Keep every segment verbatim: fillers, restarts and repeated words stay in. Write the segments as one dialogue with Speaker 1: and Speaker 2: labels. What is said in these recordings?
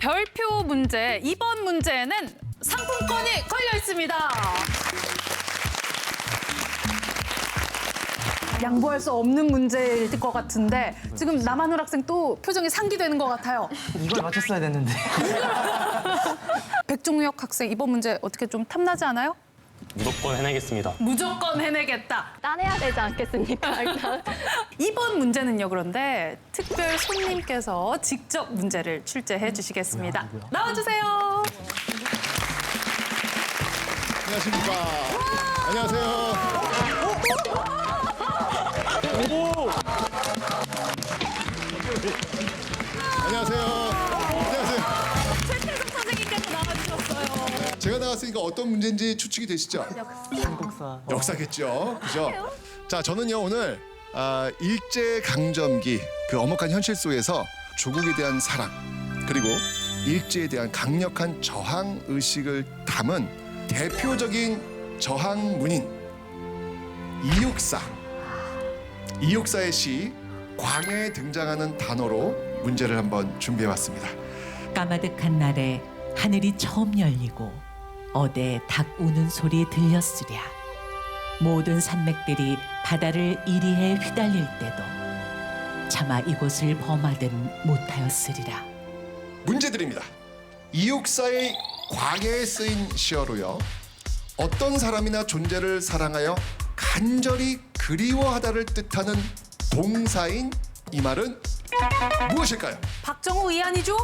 Speaker 1: 별표 문제, 이번 문제에는 상품권이 걸려 있습니다. 양보할 수 없는 문제일 것 같은데 지금 남한울 학생 또 표정이 상기되는 것 같아요.
Speaker 2: 이걸 맞췄어야 됐는데.
Speaker 1: 백종혁 학생 이번 문제 어떻게 좀 탐나지 않아요?
Speaker 3: 무조건 해내겠습니다.
Speaker 1: 무조건 해내겠다.
Speaker 4: 따내야 되지 않겠습니까? 일단.
Speaker 1: 이번 문제는요, 그런데 특별 손님께서 직접 문제를 출제해 주시겠습니다. 나와주세요.
Speaker 5: 안녕하십니까. 안녕하세요. 안녕하세요. 안녕하세요.
Speaker 1: 최태성 선생님께서 나와주셨어요.
Speaker 5: 제가 나왔으니까 어떤 문제인지 추측이 되시죠?
Speaker 2: 한국사.
Speaker 5: 역사겠죠. 그죠? 자, 저는요 오늘 아, 일제강점기 그 엄혹한 현실 속에서 조국에 대한 사랑 그리고 일제에 대한 강력한 저항 의식을 담은 대표적인 저항문인 이육사 이육사의 시 광해에 등장하는 단어로 문제를 한번 준비해봤습니다.
Speaker 6: 까마득한 날에 하늘이 처음 열리고 어대 닭 우는 소리 들렸으랴. 모든 산맥들이 바다를 이리해 휘달릴 때도 차마 이곳을 범하든 못하였으리라.
Speaker 5: 문제 드립니다. 이육사의 광해에 쓰인 시어로요. 어떤 사람이나 존재를 사랑하여 간절히 그리워하다를 뜻하는 동사인 이 말은 무엇일까요?
Speaker 1: 박정호 이한이죠?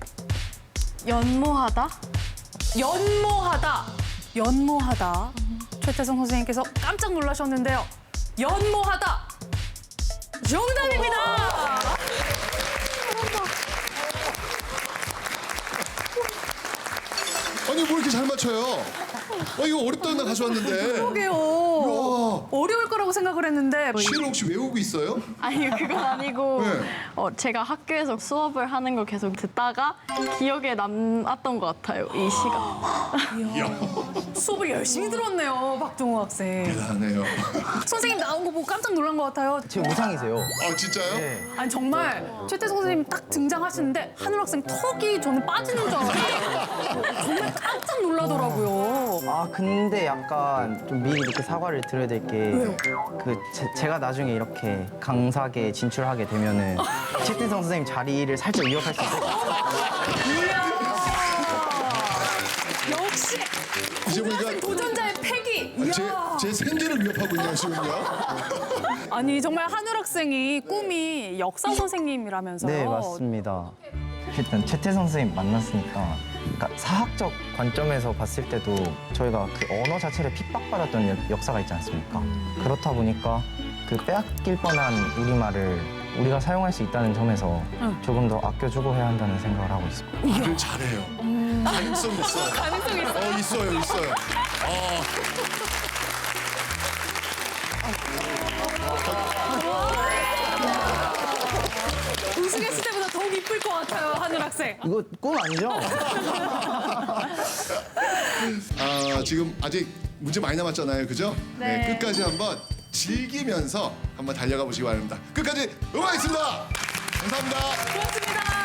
Speaker 4: 연모하다?
Speaker 1: 연모하다. 연모하다. 최태성 선생님께서 깜짝 놀라셨는데요. 연모하다. 정답입니다.
Speaker 5: 아니 뭐 이렇게 잘 맞춰요? 어, 이거 어렵다는 날 가져왔는데.
Speaker 1: 그러게요.
Speaker 5: 이야.
Speaker 1: 어려울 거라고 생각을 했는데
Speaker 5: 시를 혹시 외우고 있어요?
Speaker 4: 아니 그건 아니고
Speaker 5: 네.
Speaker 4: 어, 제가 학교에서 수업을 하는 걸 계속 듣다가 기억에 남았던 것 같아요. 이 시가.
Speaker 1: 수업을 열심히 들었네요, 박정호 학생.
Speaker 5: 대단하네요.
Speaker 1: 선생님 나온 거 보고 깜짝 놀란 것 같아요.
Speaker 2: 제 우상이세요.
Speaker 5: 아 진짜요?
Speaker 2: 네.
Speaker 1: 아니 정말 최태성 선생님 딱 등장하시는데 한울 학생 턱이 저는 빠지는 줄 알았는데 정말 깜짝 놀라더라고요.
Speaker 2: 아 근데 약간 좀 미리 이렇게 사과를 드려야 될 게 그 제가 나중에 이렇게 강사계 진출하게 되면은 최태성 선생님 자리를 살짝 위협할 수 있을 것 같아요.
Speaker 1: 역시
Speaker 5: 이제 보니까
Speaker 1: 고등학생 도전자의 패기. 이야.
Speaker 5: 제, 제 생계를 위협하고 있네요 지금요.
Speaker 1: 아니 정말 한울 학생이 꿈이 역사 선생님이라면서요.
Speaker 2: 네 맞습니다. 일단 최태성 선생님 만났으니까 그러니까 사학적 관점에서 봤을 때도 저희가 그 언어 자체를 핍박받았던 역- 역사가 있지 않습니까? 그렇다 보니까 그 빼앗길 뻔한 우리말을 우리가 사용할 수 있다는 점에서 조금 더 아껴주고 해야 한다는 생각을 하고 있습니다.
Speaker 5: 말을 잘해요. 가능성 있어요.
Speaker 1: 가능성 있어.
Speaker 5: 어 있어요 있어요.
Speaker 1: 우승했을 때보다 더욱 이쁠 것 같아요, 한울 학생.
Speaker 2: 이거 꿈 아니죠?
Speaker 5: 아 지금 아직 문제 많이 남았잖아요, 그죠?
Speaker 1: 네.
Speaker 5: 끝까지 한번 즐기면서 한번 달려가 보시기 바랍니다. 끝까지 응원하겠습니다. 감사합니다.
Speaker 1: 고맙습니다.